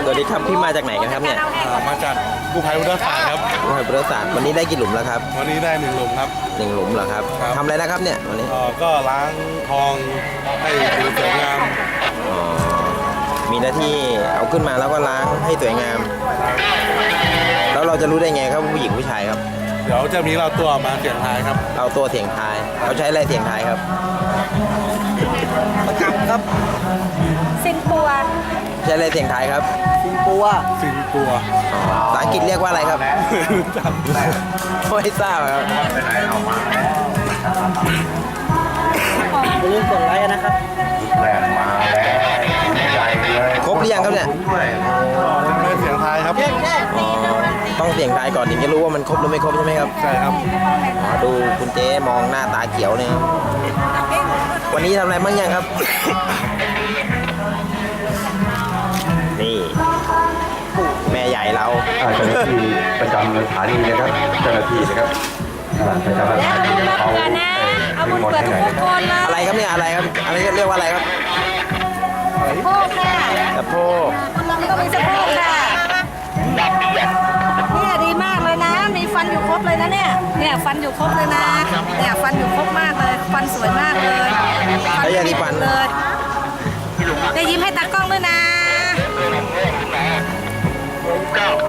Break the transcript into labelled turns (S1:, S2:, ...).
S1: สวัสดีครับพี่มาจากไหนกันครับเนี่ย
S2: มาจากกู้ภัยพุทธศาสตร์ครับ
S1: โอ้ยบริษัทวันนี้ได้กี่หลุมแล้วครับ
S2: วันนี้ได้1 หลุมครับ
S1: 1 หลุมเหรอครับ
S2: ครับ
S1: ทำอะไรนะครับเนี่ยวันนี้
S2: ก็ล้างทองให้ดูสวยงาม
S1: อ๋อมีหน้าที่เอาขึ้นมาแล้วก็ล้างให้สวยงาม แล้วเราจะรู้ได้ไงครับผู้หญิงผู้ชายครับ
S2: เดี๋ยวจะมีเราตัวมาเสี่ยงทายครับ
S1: เอาตัวเสียงทายเขาใช้อะไรเสียงทายครับ
S3: ประกำครับ
S4: สินปัว
S1: ใช้อะไรเสียงทายครับ
S3: สิงปัว
S2: สิงกลัว
S1: ภาษาอังกฤษเรียกว่าอะไรครับ
S2: จำได้
S1: ไม่ทราบครับ
S3: อย่าลืมกดไลค์นะครับ
S1: ครบหรือยังครับเนี่ย
S2: ไม่เสี่ยงทายครับ
S1: อ๋อต้องเสียงทายก่อนถึงจะรู้ว่ามันครบหรือไม่ครบใช่ไหมครับ
S2: ใช่ครับ
S1: อ๋อดูคุณเจ๊มองหน้าตาเขียวเนี่ยครับวันนี้ทำอะไรบ้างยังครับ นี่แม่ใหญ่เรา
S5: เจ้าหน้าที่ประจำสถานีนะครับเจ้าหน้าที่นะครับประจำส
S4: แล้ว
S5: ถา
S4: เอา
S5: นี
S4: บุญมา
S5: เขา
S4: เผื่อนะ เอาบุญเผื่อทุกคนเลย
S1: อะไรครับเนี่ยอะไรครับอะไรเรียกว่าอะไรครับ
S4: โพกค่ะ
S1: กระโพก
S4: มันก็มีสะโพกค่ะเนี่ยดีมากเลยนะ มีฟันอยู่ครบเลยนะเนี่ย เนี่ยฟันอยู่ครบเลยนะ เนี่ยฟันอยู่ครบมากเลย ฟันสวยมากเลย
S1: แล้วยาสีฟัน
S4: เลยได้ยิ้มให้ตากล้องด้วยนะ